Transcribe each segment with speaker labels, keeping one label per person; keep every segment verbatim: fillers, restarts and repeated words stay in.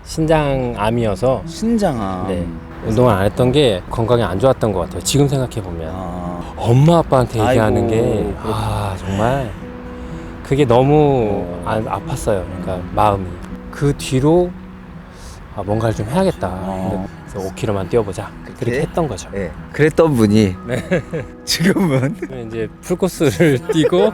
Speaker 1: 신장암이어서
Speaker 2: 신장암.
Speaker 1: 네, 운동을 안 했던 게 건강에 안 좋았던 것 같아요. 지금 생각해보면
Speaker 2: 아.
Speaker 1: 엄마 아빠한테 얘기하는
Speaker 2: 아이고,
Speaker 1: 게 아, 정말 그게 너무 아, 아팠어요. 그러니까 마음이. 그 뒤로 아, 뭔가를 좀 해야겠다.
Speaker 2: 어.
Speaker 1: 그래서 오 킬로미터만 뛰어보자. 그렇게
Speaker 2: 그래?
Speaker 1: 했던 거죠.
Speaker 2: 네. 그랬던 분이
Speaker 1: 네.
Speaker 2: 지금은
Speaker 1: 이제 풀코스를 뛰고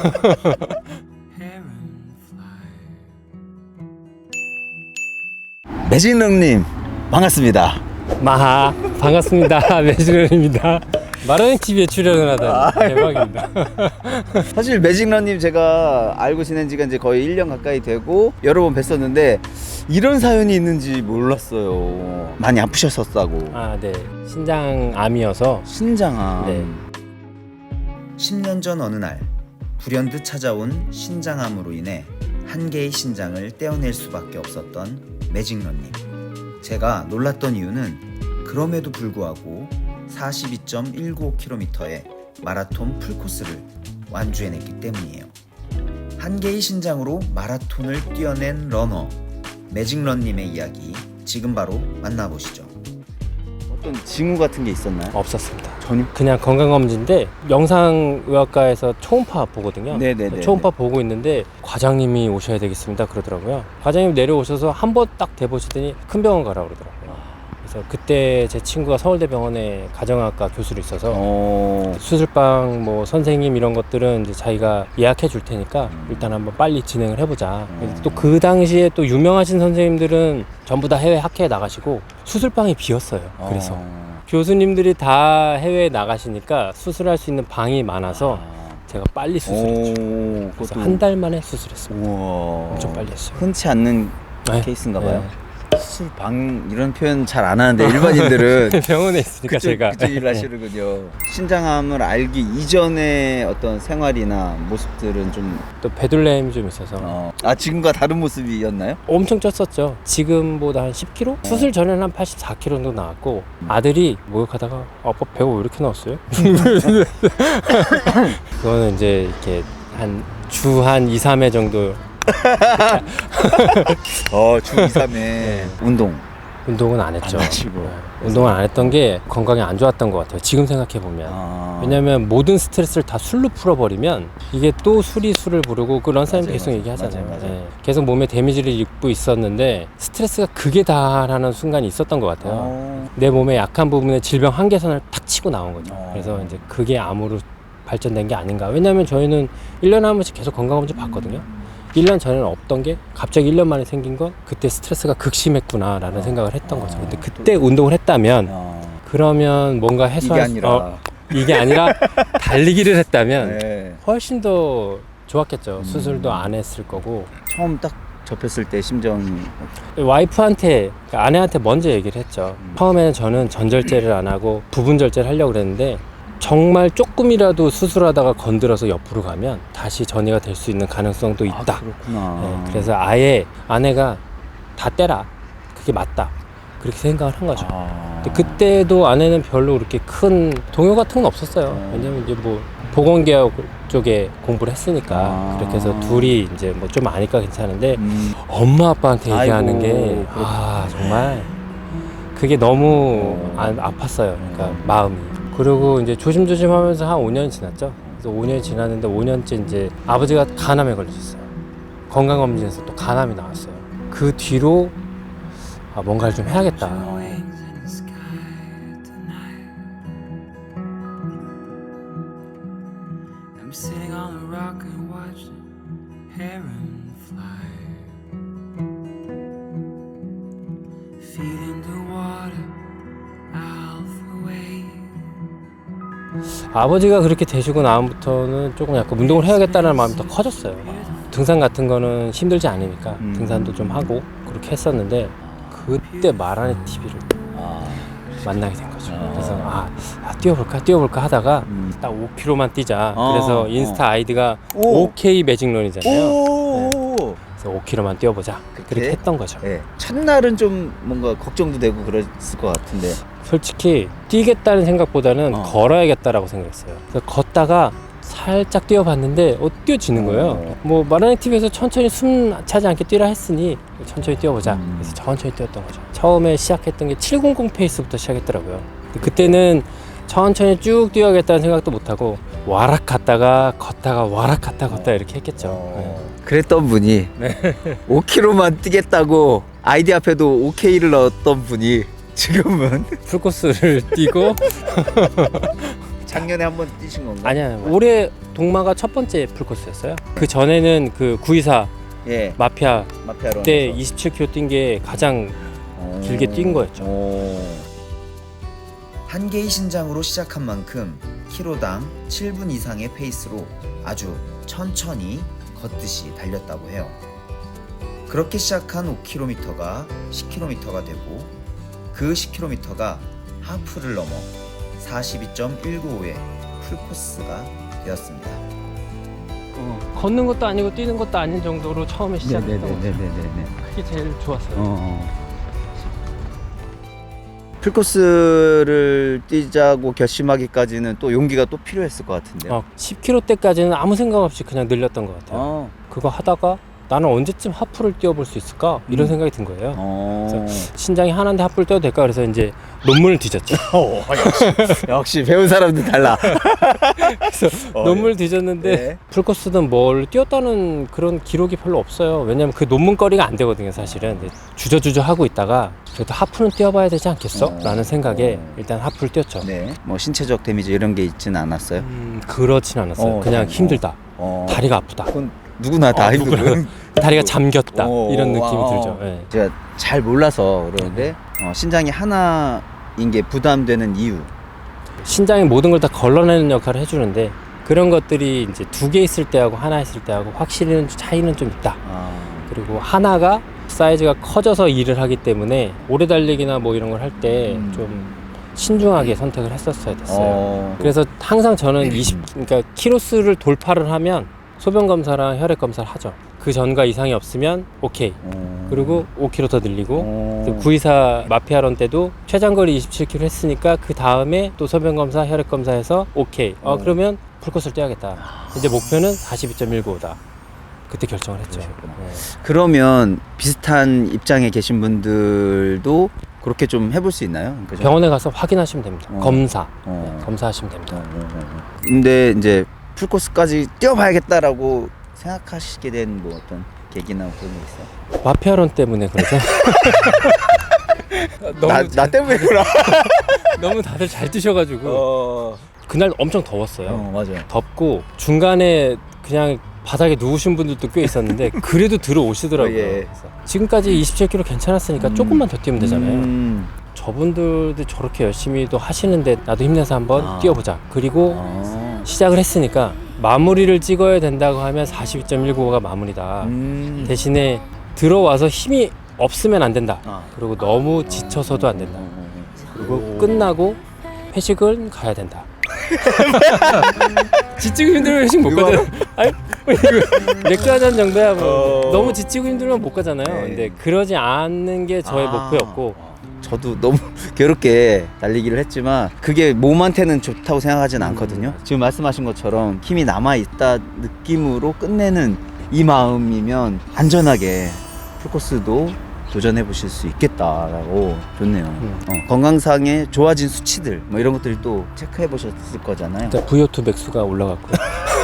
Speaker 2: 매직런님 반갑습니다.
Speaker 1: 마하 반갑습니다. 매직런입니다. 마라행 티비에 출연을 하다니 대박입니다.
Speaker 2: 사실 매직런님 제가 알고 지낸 지가 이제 거의 일 년 가까이 되고 여러 번 뵀었는데 이런 사연이 있는지 몰랐어요. 많이 아프셨었다고.
Speaker 1: 아, 네. 신장암이어서
Speaker 2: 신장암.
Speaker 1: 네.
Speaker 3: 십 년 전 어느 날 불현듯 찾아온 신장암으로 인해 한 개의 신장을 떼어낼 수밖에 없었던 매직런님. 제가 놀랐던 이유는 그럼에도 불구하고 사십이 점 일구오 킬로미터의 마라톤 풀코스를 완주해냈기 때문이에요. 한 개의 신장으로 마라톤을 뛰어낸 러너 매직런님의 이야기 지금 바로 만나보시죠.
Speaker 2: 어떤 징후 같은 게 있었나요?
Speaker 1: 없었습니다.
Speaker 2: 전혀.
Speaker 1: 그냥 건강검진인데 영상의학과에서 초음파 보거든요.
Speaker 2: 네네네.
Speaker 1: 초음파 보고 있는데 과장님이 오셔야 되겠습니다 그러더라고요. 과장님 내려오셔서 한 번 딱 대보시더니 큰 병원 가라 그러더라고요. 그래서 그때 제 친구가 서울대병원에 가정학과 교수로 있어서
Speaker 2: 어.
Speaker 1: 수술방 뭐 선생님 이런 것들은 이제 자기가 예약해 줄 테니까 일단 한번 빨리 진행을 해보자.
Speaker 2: 음.
Speaker 1: 또 그 당시에 또 유명하신 선생님들은 전부 다 해외 학회에 나가시고 수술방이 비었어요. 그래서
Speaker 2: 어.
Speaker 1: 교수님들이 다 해외에 나가시니까 수술할 수 있는 방이 많아서 제가 빨리 수술했죠.
Speaker 2: 오.
Speaker 1: 그래서
Speaker 2: 그것도-
Speaker 1: 한 달 만에 수술했습니다.
Speaker 2: 우와.
Speaker 1: 엄청 빨리 했어요.
Speaker 2: 흔치 않는
Speaker 1: 네.
Speaker 2: 케이스인가 봐요.
Speaker 1: 네.
Speaker 2: 수술방 이런 표현 잘 안 하는데 일반인들은
Speaker 1: 병원에 있으니까
Speaker 2: 그쪽,
Speaker 1: 제가
Speaker 2: 그쪽 일 하시는군요. 신장암을 알기 이전의 어떤 생활이나 모습들은 좀
Speaker 1: 또 배둘렘이 좀 있어서
Speaker 2: 어, 아 지금과 다른 모습이었나요?
Speaker 1: 엄청 쪘었죠. 지금보다 한 십 킬로그램? 수술 전에는 한 팔십사 킬로그램 정도 나왔고 아들이 목욕하다가 아빠 배가 왜 이렇게 나왔어요? 그거는 이제 이렇게 한 주 한 이, 삼 회 정도
Speaker 2: 어, 주 이, 삼 회 운동
Speaker 1: 운동은 안 했죠.
Speaker 2: 안 하시고.
Speaker 1: 네. 운동을 안 했던 게 건강에 안 좋았던 것 같아요. 지금 생각해보면.
Speaker 2: 아.
Speaker 1: 왜냐면 모든 스트레스를 다 술로 풀어버리면 이게 또 술이 술을 부르고 그 런사님도
Speaker 2: 맞아요,
Speaker 1: 계속
Speaker 2: 맞아요.
Speaker 1: 얘기하잖아요.
Speaker 2: 맞아요, 맞아요.
Speaker 1: 네. 계속 몸에 데미지를 입고 있었는데 스트레스가 극에 달하는 순간이 있었던 것 같아요.
Speaker 2: 어.
Speaker 1: 내 몸의 약한 부분에 질병 한계선을 탁 치고 나온 거죠.
Speaker 2: 어.
Speaker 1: 그래서 이제 그게 암으로 발전된 게 아닌가. 왜냐면 저희는 일 년에 한 번씩 계속 건강검진 받거든요. 일 년 전에는 없던 게 갑자기 일 년 만에 생긴 건 그때 스트레스가 극심했구나 라는
Speaker 2: 어.
Speaker 1: 생각을 했던
Speaker 2: 어.
Speaker 1: 거죠. 근데 그때 운동을 했다면
Speaker 2: 어.
Speaker 1: 그러면 뭔가
Speaker 2: 이게
Speaker 1: 해소할 수-
Speaker 2: 아니라
Speaker 1: 어, 이게 아니라 달리기를 했다면
Speaker 2: 네.
Speaker 1: 훨씬 더 좋았겠죠.
Speaker 2: 음.
Speaker 1: 수술도 안 했을 거고.
Speaker 2: 처음 딱 접했을 때 심정이
Speaker 1: 와이프한테 그러니까 아내한테 먼저 얘기를 했죠.
Speaker 2: 음.
Speaker 1: 처음에는 저는 전절제를 안 하고 부분 절제를 하려고 그랬는데 정말 조금이라도 수술하다가 건드려서 옆으로 가면 다시 전이가 될 수 있는 가능성도 있다.
Speaker 2: 아, 그렇구나.
Speaker 1: 네, 그래서 아예 아내가 다 떼라. 그게 맞다. 그렇게 생각을 한 거죠.
Speaker 2: 아.
Speaker 1: 근데 그때도 아내는 별로 그렇게 큰 동요 같은 건 없었어요.
Speaker 2: 음.
Speaker 1: 왜냐면 이제 뭐 보건개혁 쪽에 공부를 했으니까
Speaker 2: 아.
Speaker 1: 그렇게 해서 둘이 이제 뭐 좀 아니까 괜찮은데
Speaker 2: 음.
Speaker 1: 엄마 아빠한테 얘기하는
Speaker 2: 아이고,
Speaker 1: 게 아, 정말 그게 너무 아, 아팠어요. 그러니까 마음이. 그리고 이제 조심조심 하면서 한 오 년 지났죠. 그래서 오 년이 지났는데 오 년째 이제 아버지가 간암에 걸리셨어요. 건강검진에서 또 간암이 나왔어요. 그 뒤로 아, 뭔가를 좀 해야겠다.
Speaker 4: I'm sitting on a rock and watching heron fly. Feet in the water, alpha wave.
Speaker 1: 아버지가 그렇게 되시고 나부터는 조금 약간 운동을 해야겠다는 마음이 더 커졌어요. 등산 같은 거는 힘들지 않으니까
Speaker 2: 음.
Speaker 1: 등산도 좀 하고 그렇게 했었는데 그때 마라네 티비를
Speaker 2: 아.
Speaker 1: 만나게 된 거죠.
Speaker 2: 아.
Speaker 1: 그래서 아, 아 뛰어볼까 뛰어볼까 하다가
Speaker 2: 음.
Speaker 1: 딱 오 킬로미터만 뛰자.
Speaker 2: 어,
Speaker 1: 그래서
Speaker 2: 어.
Speaker 1: 인스타 아이디가
Speaker 2: 오.
Speaker 1: 오케이 매직런이잖아요.
Speaker 2: 오.
Speaker 1: 그래서 오 킬로미터만 뛰어보자. 그렇게
Speaker 2: 그래?
Speaker 1: 했던 거죠.
Speaker 2: 네. 첫날은 좀 뭔가 걱정도 되고 그랬을 것 같은데.
Speaker 1: 솔직히 뛰겠다는 생각보다는
Speaker 2: 어.
Speaker 1: 걸어야겠다라고 생각했어요. 그래서 걷다가 살짝 뛰어봤는데 어, 뛰어지는 거예요.
Speaker 2: 어.
Speaker 1: 뭐 마라넥 티비에서 천천히 숨 차지 않게 뛰라 했으니 천천히 뛰어보자.
Speaker 2: 음.
Speaker 1: 그래서 천천히 뛰었던 거죠. 처음에 시작했던 게 칠백십 페이스부터 시작했더라고요. 그때는 천천히 쭉 뛰어야겠다는 생각도 못하고 와락 갔다가 걷다가 와락 갔다 걷다 이렇게 했겠죠.
Speaker 2: 어. 그랬던 분이 오 킬로미터만 뛰겠다고 아이디 앞에도 오케이를 넣었던 분이 지금은
Speaker 1: 네. 풀코스를 뛰고
Speaker 2: 작년에 한번 뛰신 건가요?
Speaker 1: 아니야 올해 동마가 첫 번째 풀코스였어요. 그 전에는 그 구이사
Speaker 2: 예.
Speaker 1: 마피아
Speaker 2: 마피아로
Speaker 1: 때 이십칠 킬로미터 뛴 게 가장 길게 뛴 거였죠.
Speaker 3: 한 개의 신장으로 시작한 만큼 키로당 칠 분 이상의 페이스로 아주 천천히 걷듯이 달렸다고 해요. 그렇게 시작한 오 킬로미터가 십 킬로미터가 되고 그 십 킬로미터가 하프를 넘어 사십이 점 일구오의 풀코스가 되었습니다.
Speaker 1: 어, 걷는 것도 아니고 뛰는 것도 아닌 정도로 처음에 시작했던 거죠.
Speaker 2: 네네네네네.
Speaker 1: 그게 제일 좋았어요.
Speaker 2: 어. 풀코스를 뛰자고 결심하기까지는 또 용기가 또 필요했을 것 같은데요.
Speaker 1: 어, 십 킬로미터 때까지는 아무 생각 없이 그냥 늘렸던 것 같아요.
Speaker 2: 어.
Speaker 1: 그거 하다가 나는 언제쯤 하프를 뛰어볼 수 있을까? 이런
Speaker 2: 음.
Speaker 1: 생각이 든 거예요.
Speaker 2: 어.
Speaker 1: 신장이 하나인데 하프를 뛰어도 될까? 그래서 이제 논문을 뒤졌죠.
Speaker 2: 어, 역시, 역시 배운 사람들 달라.
Speaker 1: 그래서
Speaker 2: 어,
Speaker 1: 논문을 뒤졌는데
Speaker 2: 네.
Speaker 1: 풀코스든 뭘 뛰었다는 그런 기록이 별로 없어요. 왜냐면 그 논문거리가 안 되거든요, 사실은. 근데 주저주저 하고 있다가 그래도 하프는 뛰어봐야 되지 않겠어?
Speaker 2: 어.
Speaker 1: 라는 생각에
Speaker 2: 어.
Speaker 1: 일단 하프를 뛰었죠.
Speaker 2: 네. 뭐 신체적 데미지 이런 게 있지는 않았어요.
Speaker 1: 음, 그렇진 않았어요.
Speaker 2: 어,
Speaker 1: 그냥
Speaker 2: 어,
Speaker 1: 힘들다.
Speaker 2: 어.
Speaker 1: 다리가 아프다.
Speaker 2: 그건 누구나 다
Speaker 1: 어,
Speaker 2: 힘들고.
Speaker 1: 누구나. 다리가 잠겼다.
Speaker 2: 어,
Speaker 1: 이런 느낌이
Speaker 2: 어,
Speaker 1: 들죠.
Speaker 2: 어.
Speaker 1: 예.
Speaker 2: 제가 잘 몰라서 그러는데 어, 신장이 하나인 게 부담되는 이유.
Speaker 1: 신장이 모든 걸 다 걸러내는 역할을 해주는데 그런 것들이 이제 두 개 있을 때하고 하나 있을 때하고 확실히 차이는 좀 있다.
Speaker 2: 아.
Speaker 1: 그리고 하나가 사이즈가 커져서 일을 하기 때문에 오래 달리기나 뭐 이런 걸 할 때
Speaker 2: 음.
Speaker 1: 좀 신중하게 선택을 했었어야 됐어요.
Speaker 2: 어.
Speaker 1: 그래서 항상 저는 이십 그러니까 키로수를 돌파를 하면 소변 검사랑 혈액 검사를 하죠. 그 전과 이상이 없으면 오케이.
Speaker 2: 어.
Speaker 1: 그리고 오 킬로미터 더 늘리고
Speaker 2: 어.
Speaker 1: 구이사 마피아런 때도 최장거리 이십칠 킬로미터 했으니까 그 다음에 또 소변 검사, 혈액 검사해서 오케이. 어,
Speaker 2: 어.
Speaker 1: 그러면 풀코스를 뛰어야겠다. 이제 목표는 사십이 점 일구오다. 그때 결정을 했죠.
Speaker 2: 그러셨구나.
Speaker 1: 네.
Speaker 2: 그러면 비슷한 입장에 계신 분들도 그렇게 좀 해볼 수 있나요? 그러니까 좀-
Speaker 1: 병원에 가서 확인하시면 됩니다.
Speaker 2: 어.
Speaker 1: 검사.
Speaker 2: 어.
Speaker 1: 네, 검사하시면 됩니다.
Speaker 2: 어, 어, 어, 어. 근데 이제 풀코스까지 뛰어봐야겠다라고 생각하시게 된 뭐 어떤 계기나 그런 게 있어요?
Speaker 1: 마피아론 때문에 그러죠. 너무,
Speaker 2: 나, 나 때문에구나.
Speaker 1: 너무 다들 잘 뛰셔가지고
Speaker 2: 어.
Speaker 1: 그날 엄청 더웠어요.
Speaker 2: 어, 맞아요.
Speaker 1: 덥고 중간에 그냥 바닥에 누우신 분들도 꽤 있었는데 그래도 들어오시더라고요.
Speaker 2: 어, 예.
Speaker 1: 그래서 지금까지 이십칠 킬로미터 괜찮았으니까
Speaker 2: 음.
Speaker 1: 조금만 더 뛰면 되잖아요.
Speaker 2: 음.
Speaker 1: 저분들도 저렇게 열심히도 하시는데 나도 힘내서 한번
Speaker 2: 아.
Speaker 1: 뛰어보자. 그리고
Speaker 2: 어.
Speaker 1: 시작을 했으니까 마무리를 찍어야 된다고 하면 사십이 점 일구오가 마무리다.
Speaker 2: 음.
Speaker 1: 대신에 들어와서 힘이 없으면 안 된다.
Speaker 2: 아.
Speaker 1: 그리고 너무 지쳐서도 안 된다.
Speaker 2: 어,
Speaker 1: 그리고
Speaker 2: 오.
Speaker 1: 끝나고 회식은 가야 된다. 지치고 힘들면 회식 못
Speaker 2: 이거
Speaker 1: 가잖아. 아니, 뭐 이거 맥주 한 잔 정도야 뭐.
Speaker 2: 어.
Speaker 1: 너무 지치고 힘들면 못 가잖아요.
Speaker 2: 네.
Speaker 1: 근데 그러지 않는 게 저의
Speaker 2: 아.
Speaker 1: 목표였고
Speaker 2: 저도 너무 괴롭게 달리기를 했지만 그게 몸한테는 좋다고 생각하진
Speaker 1: 음.
Speaker 2: 않거든요. 지금 말씀하신 것처럼 힘이 남아있다 느낌으로 끝내는 이 마음이면 안전하게 풀코스도 도전해 보실 수 있겠다라고 좋네요.
Speaker 1: 음.
Speaker 2: 어, 건강상의 좋아진 수치들 뭐 이런 것들을 또 체크해 보셨을 거잖아요.
Speaker 1: 일단 브이오투 맥수가 올라갔고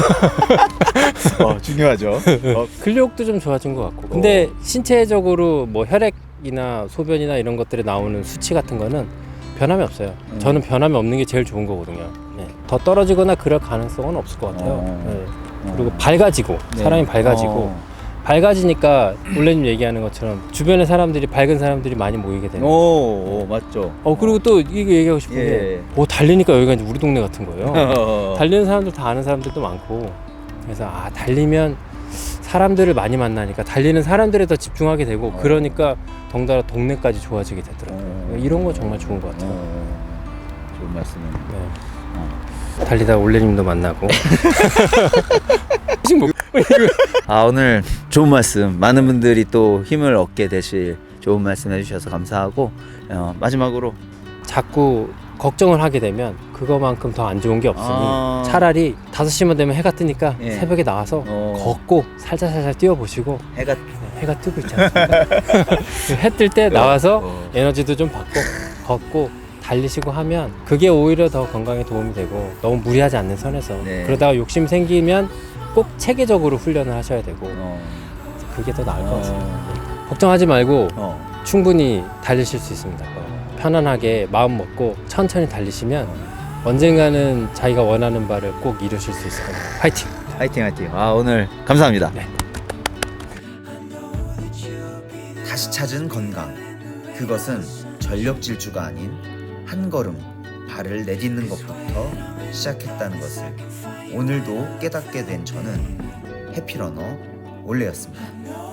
Speaker 2: 어, 중요하죠. 어,
Speaker 1: 근력도 좀 좋아진 것 같고. 근데 신체적으로 뭐 혈액이나 소변이나 이런 것들에 나오는 수치 같은 거는 변함이 없어요.
Speaker 2: 음.
Speaker 1: 저는 변함이 없는 게 제일 좋은 거거든요. 네. 더 떨어지거나 그럴 가능성은 없을 것 같아요.
Speaker 2: 어.
Speaker 1: 네. 그리고 밝아지고
Speaker 2: 네.
Speaker 1: 사람이 밝아지고
Speaker 2: 어.
Speaker 1: 밝아지니까 원래님 얘기하는 것처럼 주변에 사람들이 밝은 사람들이 많이 모이게 되는.
Speaker 2: 오, 오, 맞죠.
Speaker 1: 어 그리고 또 이거 얘기하고 싶은
Speaker 2: 예.
Speaker 1: 게, 오 달리니까 여기가 이제 우리 동네 같은 거예요.
Speaker 2: 어.
Speaker 1: 달리는 사람들 다 아는 사람들도 많고, 그래서 아 달리면 사람들을 많이 만나니까 달리는 사람들에 더 집중하게 되고,
Speaker 2: 어.
Speaker 1: 그러니까 덩달아 동네까지 좋아지게 되더라고요.
Speaker 2: 어.
Speaker 1: 이런 거 정말 좋은 것 같아요.
Speaker 2: 어, 좋은 말씀이네요.
Speaker 1: 네.
Speaker 2: 어.
Speaker 1: 달리다 올레님도 만나고.
Speaker 2: 아, 오늘 좋은 말씀, 많은 분들이 또 힘을 얻게 되실 좋은 말씀 해주셔서 감사하고, 어, 마지막으로
Speaker 1: 자꾸 걱정을 하게 되면 그거만큼 더 안 좋은 게 없으니
Speaker 2: 아.
Speaker 1: 차라리 다섯 시만 되면 해가 뜨니까
Speaker 2: 예.
Speaker 1: 새벽에 나와서
Speaker 2: 어.
Speaker 1: 걷고 살살살살 뛰어보시고
Speaker 2: 해가
Speaker 1: 해가 뜨고 있지 않습니까? 해 뜰 때 나와서
Speaker 2: 어.
Speaker 1: 에너지도 좀 받고 걷고 달리시고 하면 그게 오히려 더 건강에 도움이 되고 너무 무리하지 않는 선에서
Speaker 2: 네.
Speaker 1: 그러다가 욕심 생기면 꼭 체계적으로 훈련을 하셔야 되고
Speaker 2: 어.
Speaker 1: 그게 더 나을 것
Speaker 2: 어.
Speaker 1: 같습니다. 걱정하지 말고
Speaker 2: 어.
Speaker 1: 충분히 달리실 수 있습니다. 편안하게 마음 먹고 천천히 달리시면 언젠가는 자기가 원하는 바를 꼭 이루실 수 있을 겁니다. 화이팅!
Speaker 2: 화이팅 화이팅. 아 오늘 감사합니다.
Speaker 1: 네.
Speaker 3: 다시 찾은 건강. 그것은 전력 질주가 아닌 한 걸음 발을 내딛는 것부터 시작했다는 것을 오늘도 깨닫게 된 저는 해피러너 올레였습니다.